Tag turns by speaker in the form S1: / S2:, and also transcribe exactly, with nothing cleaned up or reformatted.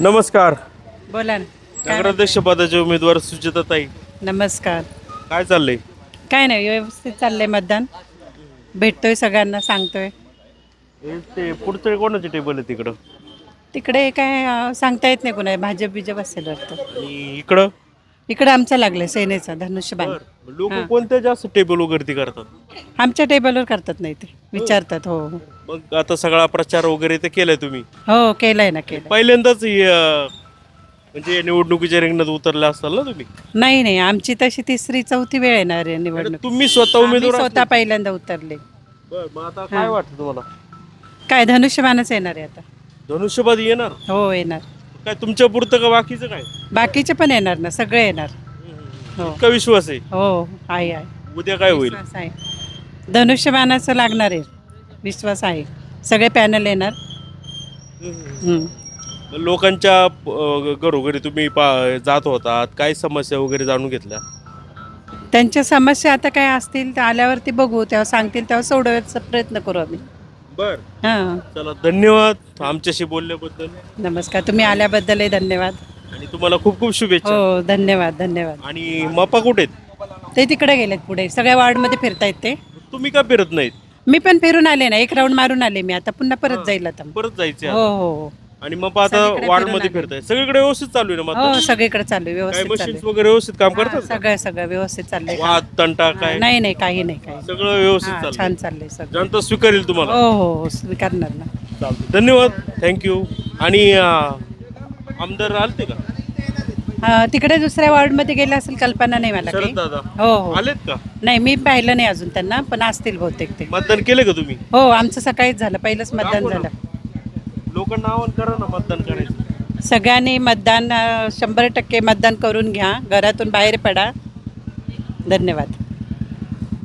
S1: नमस्कार.
S2: बोला ना. काय
S1: नगराध्यक्ष पदाचे उमेदवार सुचिताताई,
S2: म्हणताय? नमस्कार.
S1: काय चाललंय?
S2: काय नाही, व्यवस्थित चाललंय मतदान. भेटतोय सगळ्यांना, सांगतोय.
S1: हे ते पुढचं कोणाचे टेबल आहे तिकडं
S2: तिकडे काय अं, सांगता येत नाही कुणा, भाजप बिजप असेल वाटतं.
S1: आणि इकडं?
S2: इकडे आमचा लागलाय सेनेचा धनुष्यबाण.
S1: लोक
S2: हां.
S1: कोणत्या जास्त टेबल वगैरे करतात?
S2: आमच्या टेबलवर करतात नाही ते, विचारतात. हो हो.
S1: मग आता सगळा प्रचार वगैरे ते केलाय तुम्ही?
S2: हो केलंय ना, केलंय.
S1: पहिल्यांदाच हे, अं, म्हणजे निवडणुकीच्या रिंगणात उतरला असाल ना तुम्ही?
S2: नाही नाही, आमची तशी तिसरी चौथी वेळ येणार आहे निवडणूक.
S1: तुम्ही स्वतः
S2: आम्ही
S1: उमेदवार
S2: स्वतः पहिल्यांदा उतरले.
S1: बरं, मग आता काय वाटतं तुम्हाला?
S2: काय धनुष्यबाणच येणार आहे आता.
S1: धनुष्यबाद येणार?
S2: हो येणार.
S1: काय तुमच्या पुरतं का बाकीचं काय?
S2: बाकीचे पण येणार ना, सगळे येणार. हो
S1: इतका विश्वास आहे?
S2: हो आहे आहे.
S1: उद्या काय होईल?
S2: विश्वास आहे, धनुष्यबाणाचं लागणार आहे. विश्वास आहे, सगळे पॅनल येणार. हम्म.
S1: लोकांच्या अं, घरोघरी तुम्ही पा जात होतात, काय समस्या वगैरे जाणून घेतल्या?
S2: त्यांच्या समस्या आता काय असतील तर आल्यावरती बघू, तेव्हा सांगतील तेव्हा सोडवायचा प्रयत्न करू आम्ही.
S1: बर,
S2: हां.
S1: चला, धन्यवाद आमच्याशी बोलल्याबद्दल.
S2: नमस्कार, तुम्ही आल्याबद्दलही धन्यवाद.
S1: आणि तुम्हाला खूप खूप शुभेच्छा.
S2: हो धन्यवाद धन्यवाद.
S1: आणि मपा कुठे आहेत?
S2: ते तिकडे गेलेत पुढे, सगळ्या वार्डमध्ये फिरतायत ते.
S1: तुम्ही का फिरत नाहीत?
S2: मी पण फिरून आले ना, एक राऊंड मारून आले मी, आता पुन्हा परत जाईल आता.
S1: परत जायचे
S2: हो
S1: आता.
S2: हो हो.
S1: आणि मपा आता
S2: सगळीकडे
S1: वार्ड
S2: फिरून
S1: मध्ये
S2: आले.
S1: फिरताय, सगळीकडे व्यवस्थित चालू आहे ना?
S2: हो
S1: मतदान?
S2: सगळीकडे चालू आहे,
S1: काय
S2: व्यवस्थित चालू
S1: मशीन्स
S2: आहे.
S1: वगैरे व्यवस्थित काम
S2: हां,
S1: करतात?
S2: सगळं सगळं व्यवस्थित चाललंय.
S1: वाद तंटा काय?
S2: नाही नाही, काही नाही काही नाही.
S1: सगळं व्यवस्थित
S2: हां,
S1: चाललंय?
S2: छान चाललंय सगळं.
S1: जनता स्वीकारेल तुम्हाला?
S2: हो हो हो, स्वीकारणार ना.
S1: चालतंय. धन्यवाद, थँक्यू. आणि अं, आमदार आलते का?
S2: हा, तिकडे दुसऱ्या वॉर्डमध्ये गेले असेल, कल्पना नाही मला काही.
S1: शरद दादा
S2: हो हो.
S1: आलेत का?
S2: नाही, मी पाहिलं नाही अजून त्यांना, पण असतील बहुतेक ते.
S1: मतदान केलं का तुम्ही?
S2: हो, आमचं सकाळीच झालं, पहिलंच मतदान झालं.
S1: लोकांना आवाहन करा ना मतदान करायचं.
S2: सगळ्यांनी मतदान अं, शंभर टक्के मतदान करून घ्या, घरातून बाहेर पडा. धन्यवाद.